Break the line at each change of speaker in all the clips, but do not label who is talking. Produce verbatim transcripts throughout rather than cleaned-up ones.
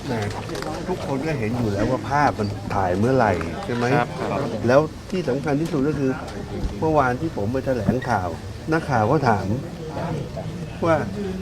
ทุกคนก็เห็นอยู่แล้วว่าภาพมันถ่ายเมื่อไหร่ใช่ไหมแล้วที่สำคัญที่สุดก็คือเมื่อวานที่ผมไปแถลงข่าวนักข่าวก็ถามว่า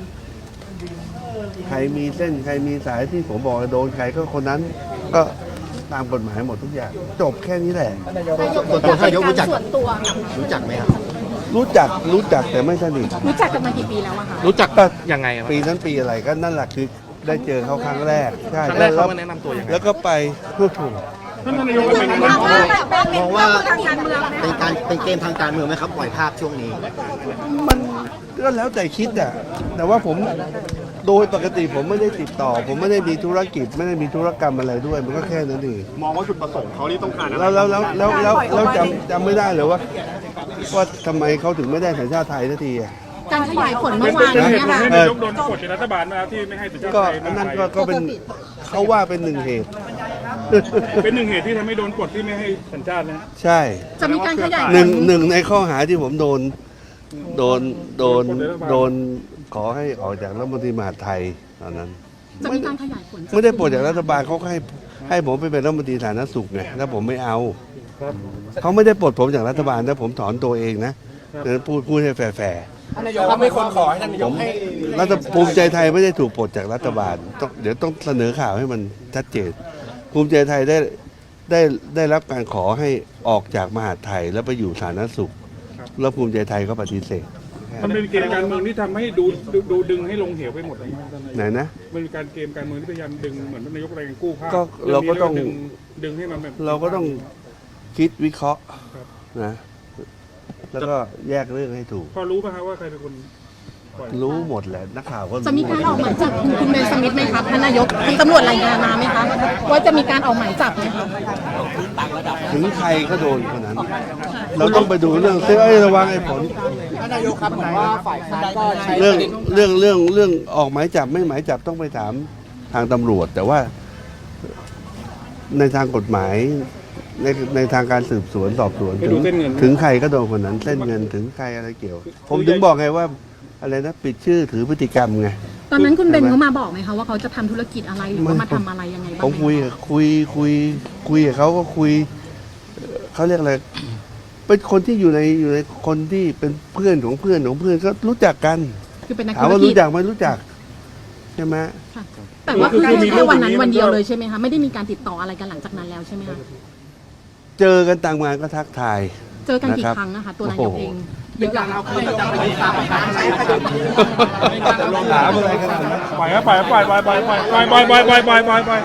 ใครมีเส้นใครมีสายที่ผมบอกโดนใครก็คนนั้นก็ตามกฎหมายหมดทุกอย่างจบแค่นี้แหละ
ตัวตัวนายกรู้จักรู้จักไหมครับ
รู้จักรู้จักแต่ไม่สนิท
รู้จักกันมากี่ปีแล้วอะคะ
รู้จักยังไง
ปีนั้นปีอะไรก็นั่นแหละคือได้เจอเขาครั้งแรกใช่
ครั้งแรกเขามาแนะนำตัวยังไง
แล้วก็ไปพูดถูก
มองว่าเป็นการเป็นเกมทางการเมืองไหมครับปล่อยภาพช่วงนี้
มันก็แล้วแต่คิดอ่ะแต่ว่าผมโดยปกติผมไม่ได้ติดต่อผมไม่ได้มีธุรกิจไม่ได้มีธุรกรรมอะไรด้วยมันก็แค่นั้นเอง
มองว่าจุดประสงค์เขาที่ต้องการอะไร
แล้วแล้วแล้วแล้วแล้วจำจำไม่ได้เลยว่าว่าทำไมเขาถึงไม่ได้สัญชาติไทยสักทีอ่ะ
การขยายผลเมื่อวานนี้ค่ะ
นายกโดนกดจากรัฐบาลมาที่ไม่ให้สัญชาติไทย
ก็นั่นก็เป็นเขาว่าเป็นหนึ่งเหตุ
เป็นหนึ่งเหตุที่ทำให้โดนกดที่ไม่ให้สัญชาตินะ
ใช่
จะมีการขยาย
หนึ่งหนึ่งในข้อหาที่ผมโดนโดนโดนโดนขอให้ออกจากรัฐมนตรีมหาดไทยตอนนั้น
จะมีการขยายผล
ไม่ได้ปลดจากรัฐบาลเขาให้ให้ผมไปเป็นรัฐมนตรีสาธารณสุขไงแล้วผมไม่เอาเขาไม่ได้ปลดผมจากรัฐบาลนะผมถอนตัวเองนะพูดพูดให้แฟร์
ท่านนายกครับไม่คนขอให้ท่านนายกให้
รัฐภูมิใจไทยไม่ได้ถูกปลดจากรัฐบาลต้องเดี๋ยวต้องเสนอข่าวให้มันชัดเจนภูมิใจไทยได้ได้ได้รับการขอให้ออกจากมหาดไทยแล้วไปอยู่สาธารณสุขแล้วภูมิใจไทยก็ปฏิเสธ
มันเป็นเกมการเมืองที่ทำให้ดูดูดึงให้ลงเหวไปหมดเลย
ไหนนะ
มันเป็นการเกมการเมืองที่พยายามดึงเหมือนนายกอะไรกันกู้ภาพ
ก็เราก็ต้อง
ดึงให้มันแบบ
เราก็ต้องคิดวิเคราะห์นะแล้วก็แยกเรื่องให้ถูก
พอรู้ป่ะครับว่าใครเป็นคน
รู้หมดแหละนักข่าวก็
จะมีการออกหมายจับคุณเบนสมิธไหมครับท่านนายกมีตำรวจรายงานมาไหมคะว่าจะมีการออกหมายจับไหมคะ
ถึงใครก็โดนคนนั้นเราต้องไปดูเรื่องเอ้ยระวังไอ้ผล
ท่านนายกครับผมว่าฝ่ายค้านก็ใช้
เรื่องเรื่องเรื่องเรื่องออกหมายจับไม่หมายจับต้องไปถามทางตำรวจแต่ว่าในทางกฎหมายในในทางการสืบสวนสอบสวนถึงถึงใครก็โดนคนนั้นเส้นเงินถึงใครอะไรเกี่ยวผมถึงบอกไงว่าอะไรนะปิดชื่อถือพฤติกรรมไง
ตอนนั้นคุณเบนเขามาบอกไหมคะว่าเขาจะทำธุรกิจอะไรหรือว่ามาทำอะไรยังไงบ้าง
ผมคุยคุยคุยคุยกับเขาก็คุยเขาเรียกอะไรเป็นคนที่อยู่ในอยู่ในคนที่เป็นเพื่อนของเพื่อนของเพื่อนก็รู้จักกัน
คือเป็นนักธุรกิจ
ถามว่ารู้จักไหมรู้จักใช่ไหม
แต่ว่าคือแค่วันนั้นวันเดียวเลยใช่ไหมคะไม่ได้มีการติดต่ออะไรกันหลังจากนั้นแล้วใช่ไหมคะ
เจอกันต่างงานก็ทักทาย
เจอกันกี่ครั้งนะคะตัวนายกเอง
เยอะเราคือจะไปติดตามการใช้
ลงถามอะไรกันนะ
ปล่อยปล่อยปล่อยปล่อยปล่อยปล่อยปล่อยปล่อยปล่อยปล่อยปล่อยปล่อยปล่อย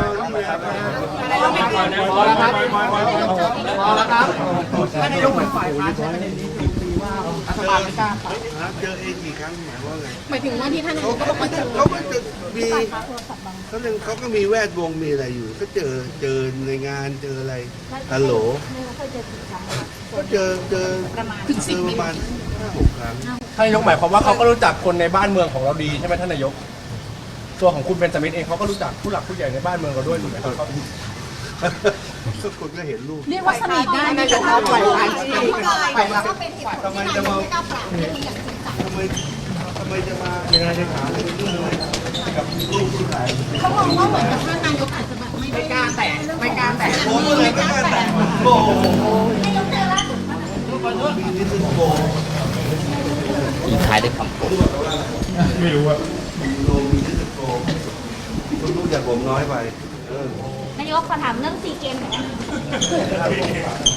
พอแล้วครับพอแล้วครับท่านนายกเหมือนฝ่ายค้านใช่ไหมว่ารัฐบาลไม่กล้า
เจอเองกี่ครั้งหมายว่าไง
หมายถึงว่าที่ท่านนายกก็บอกว่า
เขาก็จะมีเขาเรื่องเขาก็มีแวดวงมีอะไรอยู่ก็เจอเจอในงานเจออะไรฮัลโหลก็เจอเจอ
ถึงสิบ
ประมาณห้าหกครั้ง
ท่านนายกหมายความว่าเขาก็รู้จักคนในบ้านเมืองของเราดีใช่ไหมท่านนายกตัวของคุณเบนจามินเองเขาก็รู้จักผู้หลักผู้ใหญ่ในบ้านเมืองเราด้วยถูกไหมครับ
ทุกคนก็เห็นรูป
เรียกว่าสนิทได้
นายกครับฝ่ายค้านฝ่ายค้าน
ทำไมจะมาทำไมทำไมจะมายังไงจะถามเรื่องอะไรกับลูกที่ไหน
เขาบอกว่าเหมือนกับท่านนายกอาจจะแบบ
ไม่กล้าแตะไม่กล้าแตะ
โอ้เลยไม่กล้าแตะโอ้โหมีนิดนึงโบ
อีท้ายได้คำ
ไม่รู้ว่า
โลมีนิดนึงโบคุณรู้จักผมน้อยไป
นายกขอถามเรื่องซีเกมหน่อย